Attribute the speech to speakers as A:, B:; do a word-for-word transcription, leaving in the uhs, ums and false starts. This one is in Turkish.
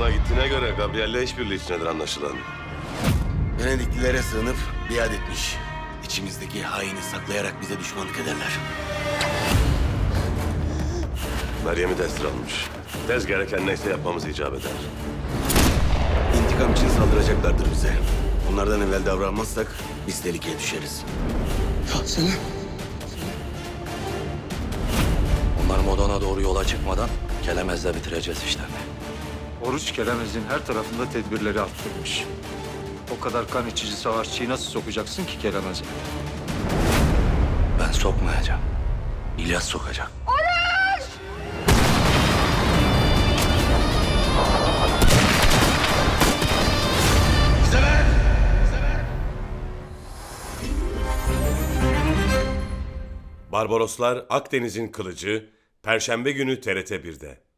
A: Rom'a gittiğine göre Gabriel'le işbirliği içindedir anlaşılan.
B: Venediklilere sığınıp biat etmiş. İçimizdeki haini saklayarak bize düşmanlık ederler.
A: Meryem'i de esir almış. Tez gereken neyse yapmamız icap eder.
B: İntikam için saldıracaklardır bize. Onlardan evvel davranmazsak biz tehlikeye düşeriz.
C: Ya Selim.
D: Onlar Modon'a doğru yola çıkmadan Kelemez'le bitireceğiz işlerini.
E: Oruç Kelemez'in her tarafında tedbirleri arttırmış. O kadar kan içici savaşçıyı nasıl sokacaksın ki Kelemez'e?
D: Ben sokmayacağım. İlyas sokacak.
F: Barbaroslar Akdeniz'in Kılıcı Perşembe günü T R T bir'de.